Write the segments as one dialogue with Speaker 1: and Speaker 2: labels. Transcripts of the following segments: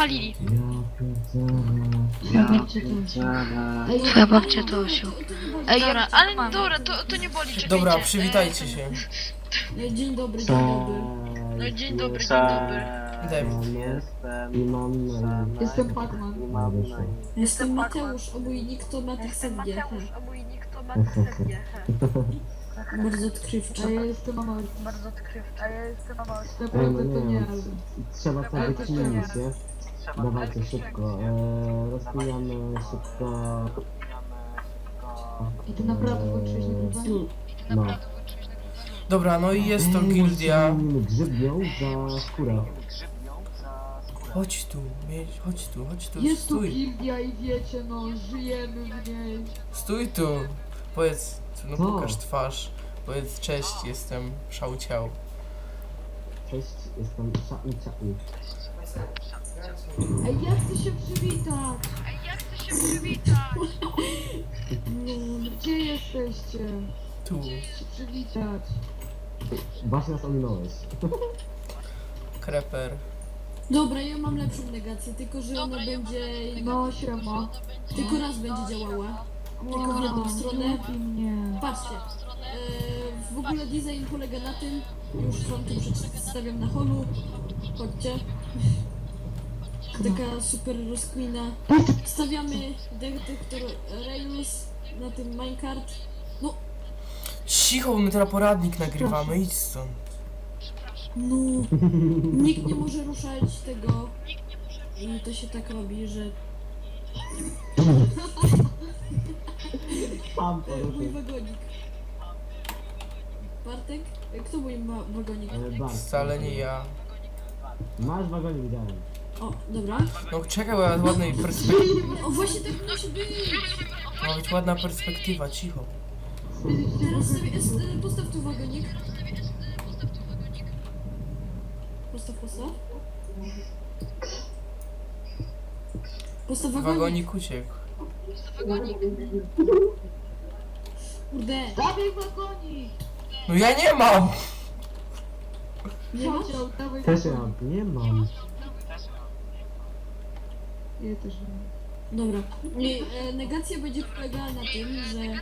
Speaker 1: spalili.
Speaker 2: Twoja babcia to osiu.
Speaker 1: Ej, dobra, ale dobra, to nie boli, czekajcie.
Speaker 3: Dobra, przywitajcie się.
Speaker 4: Dzień dobry, dzień dobry.
Speaker 1: No dzień dobry, dzień dobry.
Speaker 3: David.
Speaker 4: Jestem Pacman. Jestem Mateusz, obojnik to Matix SG. Bardzo odkrywczo. A ja jestem mama. Naprawdę to nie, ale...
Speaker 5: Trzeba to wyczynić, nie? Dawajcie szybko, rozwijamy szybko.
Speaker 4: I ty naprawdę kończyłeś nagrywanie?
Speaker 5: No.
Speaker 3: Dobra, no i jest to gildia.
Speaker 5: Grzybnią za skórę.
Speaker 3: Chodź tu, chodź tu,
Speaker 4: Jest tu
Speaker 3: stój.
Speaker 4: gildia i wiecie, no, żyjemy w niej.
Speaker 3: Stój tu. Powiedz, no
Speaker 5: Co?
Speaker 3: pokaż twarz. Powiedz cześć, jestem Szałciał.
Speaker 5: Cześć, jestem Szai.
Speaker 4: Ej, ja chcę się przywitać. No, gdzie jesteście?
Speaker 3: Tu.
Speaker 4: Chcę się przywitać.
Speaker 5: Właśnie nas ominąłeś.
Speaker 3: Kreper.
Speaker 4: Dobra, ja mam lepszą negację, tylko że ona będzie... No, siema. Tylko raz będzie działała. Tylko w jedną stronę. Nie. Patrzcie. W ogóle design polega na tym, już wam tu przedstawiam na holu. Chodźcie. Taka super rozkmina. Stawiamy detektor Rails na tym minecart. No,
Speaker 3: Cicho, bo my teraz poradnik nagrywamy, idź stąd.
Speaker 4: no. Nikt nie może ruszać tego. I to się tak robi, że...
Speaker 5: Tam
Speaker 4: Mój
Speaker 5: poruszył.
Speaker 4: wagonik. Bartek? Kto mój wagonik?
Speaker 5: Bart.
Speaker 3: Wcale nie ja.
Speaker 5: Masz wagonik, widziałem.
Speaker 4: O, dobra.
Speaker 3: No czekaj, bo ja z ładnej perspektywy.
Speaker 4: O, właśnie tak musi być.
Speaker 3: Ma być ładna perspektywa, cicho.
Speaker 4: Teraz sobie postaw tu wagonik. Postaw. Postaw wagonik.
Speaker 3: Wagonik uciekł.
Speaker 4: Kurde. Dawaj wagonik!
Speaker 3: No ja nie mam!
Speaker 4: Nie masz? Dawaj
Speaker 5: Też ja nie mam.
Speaker 4: Ja też nie. Dobra. I, negacja będzie polegała na tym, że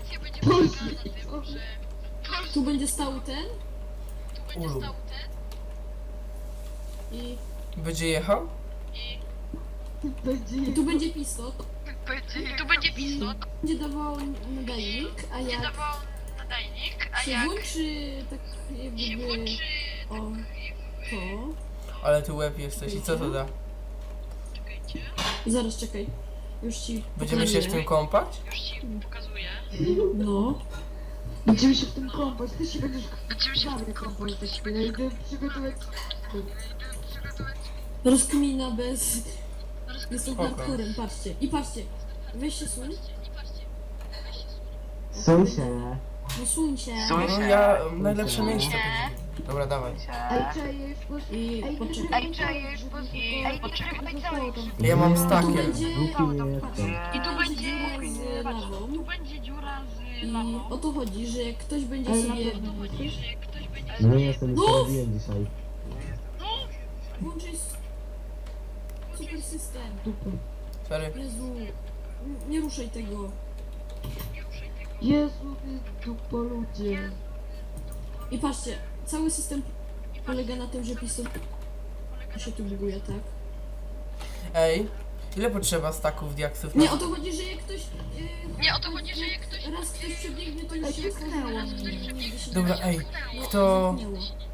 Speaker 4: tu będzie stał ten
Speaker 3: Ulu.
Speaker 4: i
Speaker 3: Będzie jechał?
Speaker 4: tu będzie pistot.
Speaker 1: Tu będzie pisot,
Speaker 4: Będzie dawał nadajnik, a jak się włączy tak jakby o to.
Speaker 3: Ale ty łeb jesteś i co to da?
Speaker 4: Zaraz czekaj. Już ci
Speaker 3: Będziemy się w tym kąpać?
Speaker 4: No. Będziemy się w tym kąpać, ty się będziesz kąpać. Ja idę przygotować... Rozkmina bez... Jestem
Speaker 3: Spoko.
Speaker 4: hardcorem, patrzcie. I patrzcie. Weź się suń.
Speaker 5: Są się.
Speaker 4: No suń się.
Speaker 3: No ja najlepsze miejsce. Dobra, dawaj.
Speaker 4: I poczekaj.
Speaker 3: Ja mam
Speaker 4: Tu
Speaker 3: stakier.
Speaker 4: będzie...
Speaker 5: Głupi
Speaker 4: Patrz.
Speaker 5: jestem.
Speaker 4: I tu będzie lawą. I o to chodzi, że jak ktoś będzie sobie...
Speaker 5: No nie jestem, już to robiłem dzisiaj.
Speaker 4: Włączyć super system.
Speaker 3: Sorry.
Speaker 4: Jezu, nie ruszaj tego.
Speaker 6: Jezu, ty dupo ludzie.
Speaker 4: I patrzcie, cały system polega na tym, że piston się tu buguje, tak?
Speaker 3: Ej, ile potrzeba staków diaksów?
Speaker 4: Nie, o to chodzi, że jak ktoś... raz ktoś przebiegnie, to już się
Speaker 6: Tknęło
Speaker 4: nigdy się
Speaker 3: Dobra, ej,
Speaker 4: No,
Speaker 3: kto...
Speaker 4: zamknęło.